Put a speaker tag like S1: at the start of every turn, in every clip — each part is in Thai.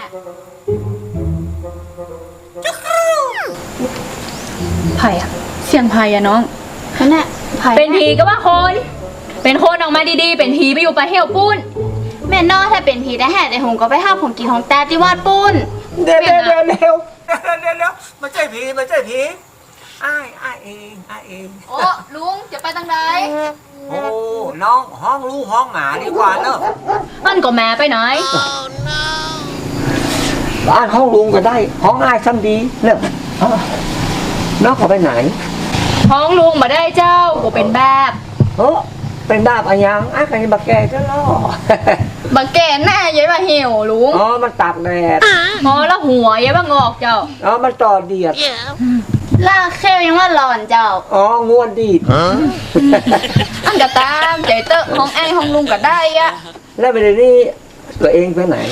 S1: ไผ่อะเสียงไผ่อะน้องนั่นแหละไผ่เป็นผีก็ว่าคนเป็นคนออกมาดีๆเป็นผีไปอยู่ปลาเหี่ยวปุ้น
S2: แม่นอถ้าเป็นผีได้แห่แต่หงก็ไปห้าผมกินของแต่ที่วาดปุ้น
S3: เดี๋ยวไม่ใช่ผีไม่ใช่ผีอ้ายเอง
S1: โอ้ลุงจะไปทางไหน
S3: โอ้น้องห้องลูกห้องหมาดีกว่าเนอะ
S1: มันก็แม่ไปไหน
S3: บ้านห้องลุงก็ได้ห้องอ้ายซ้ำดีเนอะน้องเขาไปไหน
S1: ห้องลุงมาได้เจ้าก็เป็นแบบ
S3: เป็นดาบอะไรยังอ้ายกันบักแกจะล่อ
S1: บักแกหน้ายัยมาเหี่ยวลุง
S3: มันตากแดด
S1: แล้วหัวยัยมางอกเจ้า
S3: มันต่อเดียด
S2: ล่าเข้ยังว่าหลอนเจ้า
S3: ง่วนดีด
S1: อันกระตามใจเตอะห้องไอ้ห้องลุงก็ได้อะ
S3: แล้วไปเดี๋ยวนี้ตัวเองไปไหน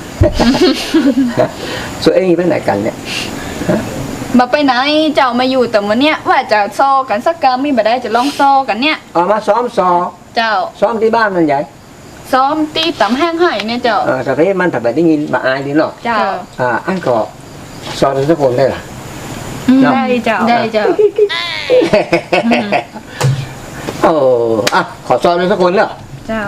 S3: ตัวเองไปไหนกันเนี่ย
S1: มาไปไหนเจ้ามาอยู่แต่วันเนี้ยว่าจะซอกันสักกรรมมีบ่ได้จะลองซอกันเนี่ย
S3: มาซ้อม
S1: เจ้า
S3: ซ้อมที่บ้านมันใหญ่
S1: ซ้อมตีตำแห้งไห่เนี่ยเจ้า
S3: แต่เพมันถัดไปได้ยินบาอายดีเนาะ
S1: เจ้า
S3: อันก็ซ้อมทุกคนได้หรอ
S1: ได้เจ้า
S3: ขอซ้อมทุกคนเนาะ
S1: เจ้า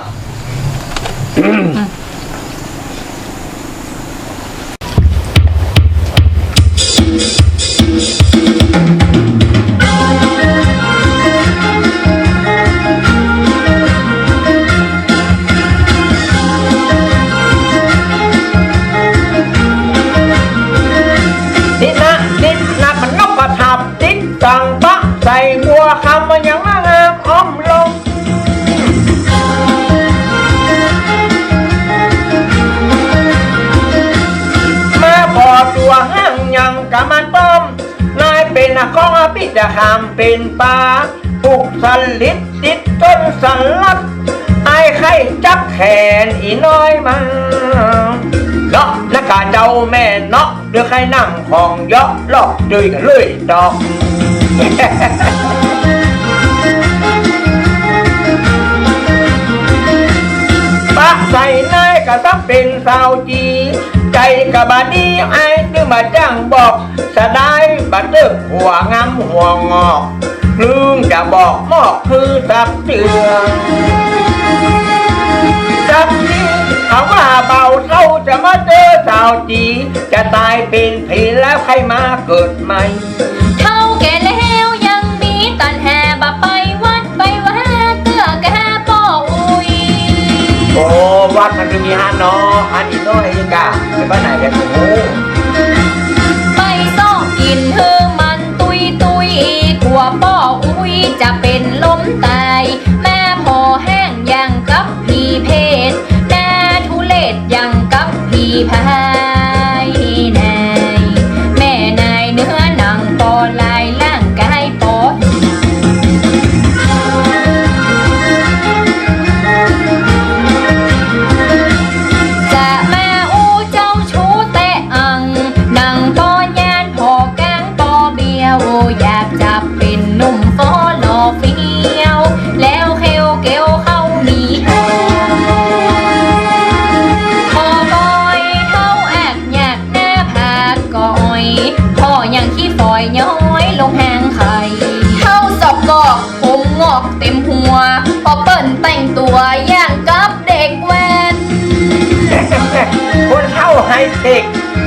S3: จังปะใส่บัวคำมันยังงามอ้อมลงมาพอตัวห้างยังกะมันป้อมนายเป็นนักของอภิจะหามเป็นป่าผูกสลิดติดต้นสลัดไอ้ไข่จับแขนอีน้อยมาเนาะนักกาเจ้าแม่เนาะเดือใครนั่งของเยาะลอกดื้อกันเลยดอกปะใส่นายกะซับเป็นสาวจีใจกะบาดีไอ้ตึงมาจ้างบอกสะได้บัดเตึกหัวงำหัวงอกลืมจะบอกมอกคือสับเตือนสับนี้เขาว่าเบาเศร้าจะมาเจอสาวจีจะตายเป็นผีแล้วใครมาเกิดใหม่
S1: เท่าแก่แล้วยังมีตันแห่บะไปวัดไปว่าเกือแก่ป่ออุ้ย
S3: วัดมันจะมีฮานออันนี้น้อยกะไปบ้านไหนกันโอ้
S1: ไปซ่องกินเธอมันตุยกลัวป่ออุ้ยจะเป็นลมตายแม่พอแห้งยังกับผีเพศแน่ทุเลศยังกับผีพายนายแม่นายเนื้อหนังปอลายร่างกายปอจะมาอู้เจ้าชู้เตะอังหนังปอยานพอกลางปอเบียวอยากจับเป็นหนุ่มฟอหล่อเฟี้ยวแล้วเขียวเกลียวเข้ามีหอพอบอยเท่าแอบอยากหน้าผากก่อยพ่อยังขี้ฝอยย้อยลงแหงไข่เท่าสอบกอกผมงอกเต็มหัวพอเปิ้นแต่งตัวอย่างกับเด็กแว้น
S3: คนเท่าไฮเทค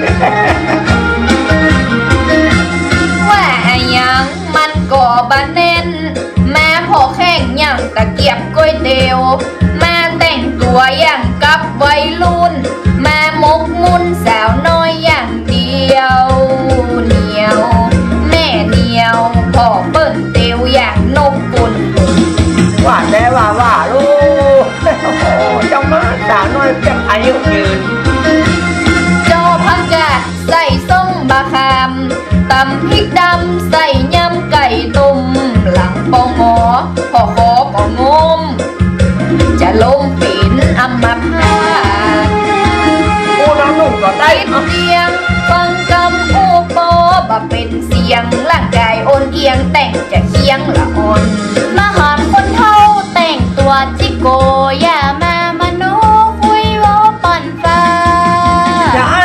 S1: ว่ายังมันก่อบะเน้นแม่พอแข่งอย่างตะเกียบก๋วยเตี๋ยวแม่แต่งตัวอย่างกับวัยรุ่นแม่มกมุ่นสาวน้อยอย่างเดียวเหนียวแม่เหนียวพอเปิ้นเตียวอย่างนกปุ่น
S3: ว่าแต่ว่าลูกเจ้ามาสาวน้อยเพียงอายุยืน
S1: จอพักกาดใส่ส้มบะคามตำพริกดำใส่ยำไก่ต้มหลังปองหอพอขอก็งมจะลงปีนอัมพาต
S3: กูน้องนุ่งก็ได้
S1: เสียงฟังกำอูปอบะเป็นเสียงร่างกายโอนเอียงแต่งจะเคียงละอ่อนมาหารคนเท่าแต่งตัวจิโกอย่ามามโนคุยโวปั่นฟ้า
S3: จะให้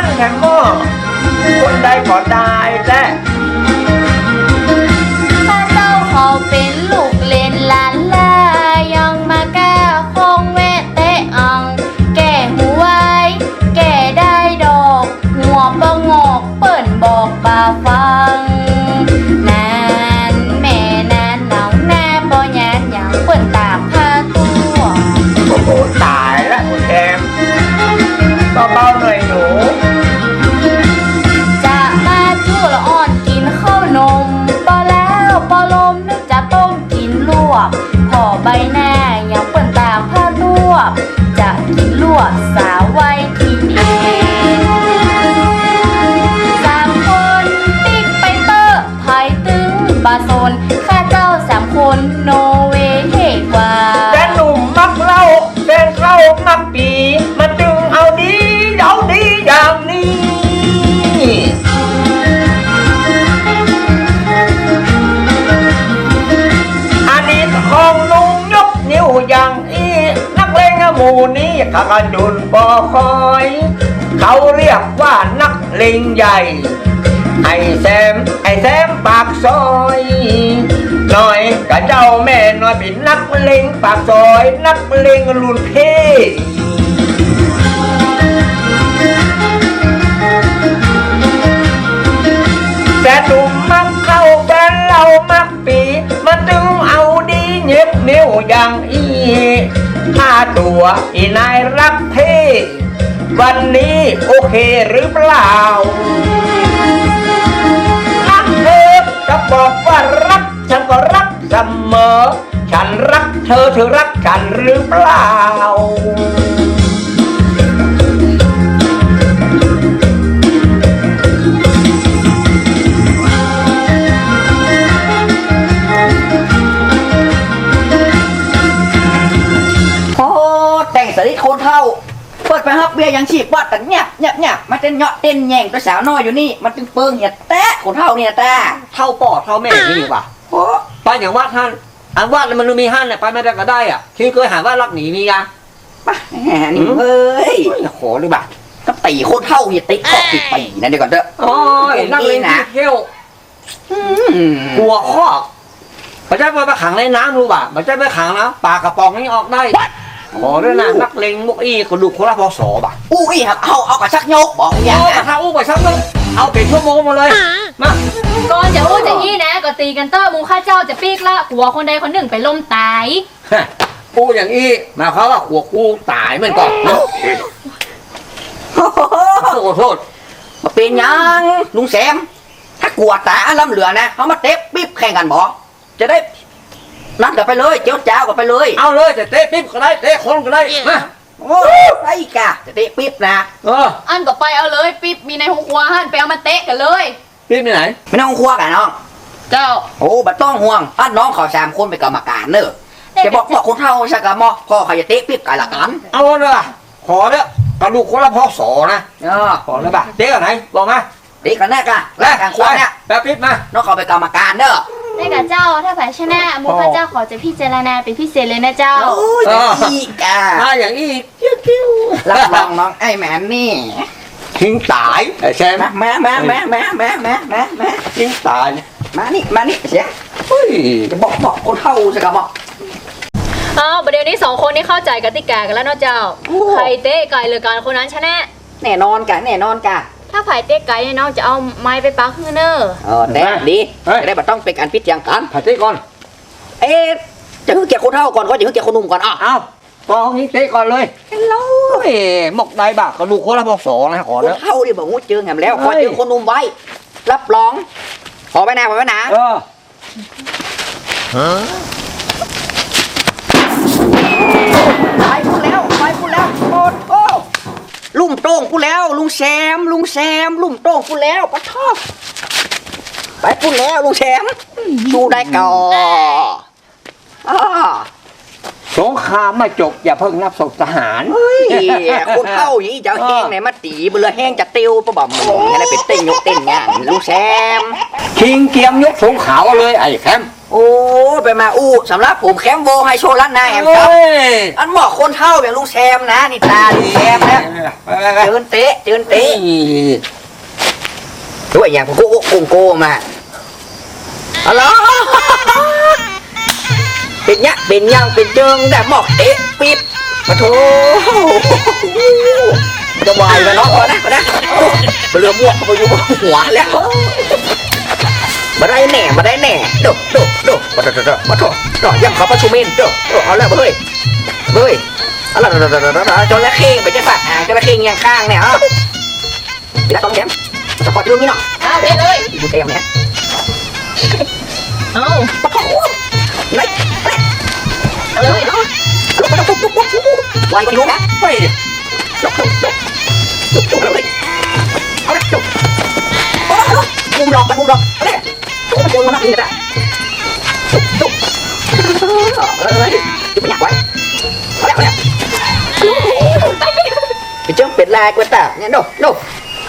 S3: หมู่นี้ข้ากระจุนปอคอย เขาเรียกว่านักเลงใหญ่ ไอ้แซมปากซอยหน่อยกับเจ้าแม่น้อยเป็นนักเลงปากซอย นักเลงรุ่นพี่แต่หนุ่มมักเข้าแฟนเรามักปีมาถึงเอาดีเย็บนิ้วอย่างอีถ้าตัวอีนายรักเท่วันนี้โอเคหรือเปล่ารักเธอจะบอกว่ารักฉันก็รักเสมอฉันรักเธอเธอรักฉันหรือเปล่า
S4: โอ้แต่งสลิดคนเท่าเปิดไปฮับเบียร์ยังฉีบวัดแต่เงียบมันจะเหาะเต้นแย่งตัวสาวน้อยอยู่นี่มันจึงเปิงเนี่ยแตะคนเท่าเนี่ยแตะ
S5: เท่าปอดเท่าแม่นี่ว่ะ
S4: โอ้
S5: ไปอย่างว่าท่านอันว่ามันมีห้านเนี่ยไปไม่ได้ก็ได้อ่ะที่เคยหาว่ารักหนีมีอ่ะ
S4: ปะแหมนี่เฮ้ย
S5: ขอหรือเปล่า
S4: ก็ตีคนเท่าเนี่ยติดขอบติดปีนั่นเดี๋ยวก่อนเถอะ
S5: โอ้ยนักเลงที่เที่ยว
S4: อืม
S5: กลัวข้อมันจะไปขังในน้ำรู้ป่ะมันจะไปขังนะปากกระป๋องนี่ออกได้ขอด้วยนะนักเลงมุกอี้คนดูคนละพอสอป่ะ
S4: อุ้ยครับเอากระชักโยกบอกอย่าง
S5: เอาก
S4: นะ
S5: ระทะอู้ไปสักนึงเอาเป็นชั่วโมงมาเลยมา
S1: ก่อนจะอู้จะยี่นะก็ตีกันเตอร์มูข้าเจ้าจะปีกละหัวคนใดคนหนึ่งไปล้มตาย
S5: อู้อย่างอี้มาเขาว่าหัวกูตายเหมือนก่อน
S4: โอ้โห
S5: ขอโทษ
S4: มาเป็นยังลุงแซมถ้ากลัวตาล้ำเหลือนะเขามาเตะปิ๊บแข่งกันบอกจะได้นั่นกันไปเลยเจ้าเจ้ากันไปเลย
S5: เอาเลยแต่เตะปิ๊บก็ได้เตะคนก็ได้มา
S4: โอ้ไอ้กะจะเตะปิ๊บนะ
S1: อันก็ไปเอาเลยปิ๊บมีในหัวครัวหันไปเอามาเตะกันเลย
S5: ปิ๊บไปไหน
S4: ไม่ต้องคั่วกันน้อง
S1: เจ้า
S4: โอ้บัดต้องห่วงอันน้องเขาสามคนเป็นกรรมการเนอะจะบอกคนเท่าใช่กะมอพ่อเขาจะเตะปิ๊บกันละกัน
S5: เอาเลยขอเนี่ยกระดูกคนละพอสอนะ ขอเลยป่ะเตะกันไหนบอกมา
S4: เตะกันแน่กะแลกกันควงเนี่ย
S5: แป๊บปิ๊บมา
S4: น้องเขาเป็นกรรมการเนอะ
S2: ได้กับเจ้าถ้าแผลชนะมูข้าเจ้าขอจะพิจารณาเป็นพิเศษเลยนะเจ้า
S4: โอ้ยอีกะ
S5: มาอย่างอีก
S4: รับรองน้องไอ้แมนนี่
S5: ทิ้งตายไอ้แซม
S4: มา
S5: ทิ้งตาย
S4: มานี่เสีย
S5: เฮ้ย
S4: จะบอกคนเท่าใช่กะบอก
S1: เอาประเดี๋ยวนี้สองคนนี้เข้าใจกติกากันแล้วเนาะเจ้า ใครเตะไก่หรือการคนนั้นชนะ
S4: แน่นอนกะ
S1: ถ้าไผ่เตะไก่เนี่ยน้องจะเอาไม้ไปปักฮือเนอร์
S4: แน่ดีจะได้บัดต้องเป็นการพิจารณากัน
S5: ผัดเตะก่อน
S4: เอ๊ะจะคือเกี่ยวคนเท่าก่อนก็จะคือเกี่ยวคนหนุ่มก่อนอ่ะ
S5: เอากองนี้เตะก่อนเลย
S4: ฮัลโหล
S5: เฮ้ยหมกได้บ่ะกระดูกคนละพอสอนะขอ
S4: คน
S5: แล้ว
S4: เท่าดิบอกงูเจอแหมแล้วขอเจอคนหนุ่มไว้ รับรอง ขอไปนะ ไปพูดแล้วโอ้ลุ่มโต้งพูดแล้วลุงแซมลุ่มโต้งพูดแล้วปะทอบไปพูดแล้วลุงแซมชูได้ก่อน
S5: สงครามมาจบอย่าเพิ่งนับศพทหาร
S4: เฮ้ยคนเท่าอย่างนี้จะเอาแห้งไหนมาตีเบื่อแห้งจะติวปะบ่มให้ได้เป็นเต้นยกเต้นงานลุงแซม
S5: คิงเกียมยกสงขาวเลยไอ้แคม
S4: โอ้ไปมาอู้สำหรับผมแคมโบไฮโชว์ล้านนาแอมครับอันเหมาะคนเท่าอย่างลุงแซมนะนี่ตาลุงแซมนะเจินเตะด้วยอย่างโกโก้มาอะไรเป็นยังเป็นเจิงแต่หมอกเตะปิ๊บมาโถจะวายไปเนาะนะเรือม่วงไปอยู่บนหัวแล้วมาได้แน่ดูมาโถยังเขาประชุมเองเอาแล้วเฮ้ยอะไรจระเข้ไปจะสัตว์จระเข้ยังข้างเนี่ยไปแล้วต้องแย้มจะปล่อยลูกนี่เนาะ
S1: เอาเตะเลย
S4: ดูเต็มเนี่ย
S1: เอา
S4: ปะโถไหนเอาเลยลุกวายกันลุกนะเฮ้ยลุกเลยเอาเลยมุมดอกเอาเลยมันจะมาหนักนี่นะลุกเลยจะไม่อยากไว้เอาเลยไปเจ้าเป็ดลายกว่าตาเนี่ยดูเอา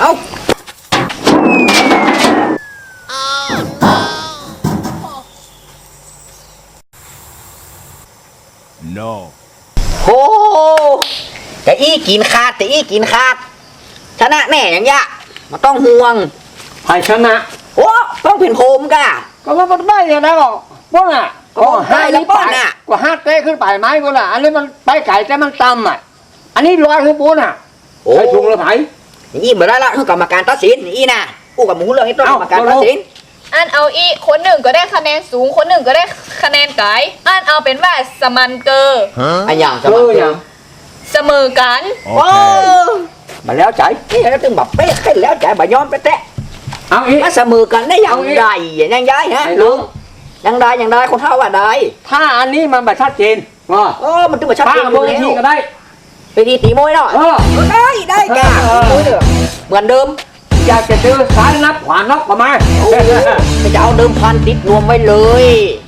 S6: No.
S4: โหแต่อี้กินขาดชนะแน่อย่างยะมาต้องห่วง
S5: ใครชนะ
S4: โอ้ต้องเป็นโฮมกะ
S5: ก็มันได้ยังไงก็ป้นอ่ะ
S4: ก็ได้แล้วป้นอ่ะ
S5: ก็ห้าเต้ขึ้นไปไม้ก็ล่ะอันนี้มันไปไก่แต่มันต่ำอ่ะอันนี้ลอยขึ้นปูนอ่ะ
S4: โอ้
S5: ใครชุงละไผ
S4: ยี่มาได้ละคือกรรมการตัดสินอี้น่ะอู้กับหมูเรื่องนี้ต้องกรรมการตัดสิน
S1: อันเอาอีคนหนึ่งก็ได้คะแนนสูงคนหนึ่งก็ได้คะแนนไกลอันเอาเป็นว่าสมันเกอร์
S4: อันอย่างส
S5: เอ
S4: มัค
S5: อ
S4: ร
S5: อย่าง
S1: เสมอกัน
S4: โอ้มาแล้วใจนี่แล้วถึงแบบเป๊ะขึ้นแล้วใจบ่ยอมไปแตะ
S5: เอาอีก
S4: มาเสมอกันได้อย่างไรยังย้ายฮะ
S5: ไอ้
S4: ลุ
S5: ลุ
S4: ง
S5: ง
S4: ยังได้คนเท่าว่าได้
S5: ถ้าอันนี้มันแบบชัดเจนว่า
S4: โอ้มันถึงมาชัด
S5: ป้า
S4: เจนอ
S5: เบอยู่ ร์
S4: แล้
S5: ที่
S4: ว
S5: ก็ได้
S4: ไปดีตีมวยเนาะ
S5: เออ
S4: ได้กะตีมวยเด้อเหมือนเดิม
S5: อยากจะเจอสายนับขวานนับประมาณ
S4: จะเอาเดิมพันติดรวมไว้เลย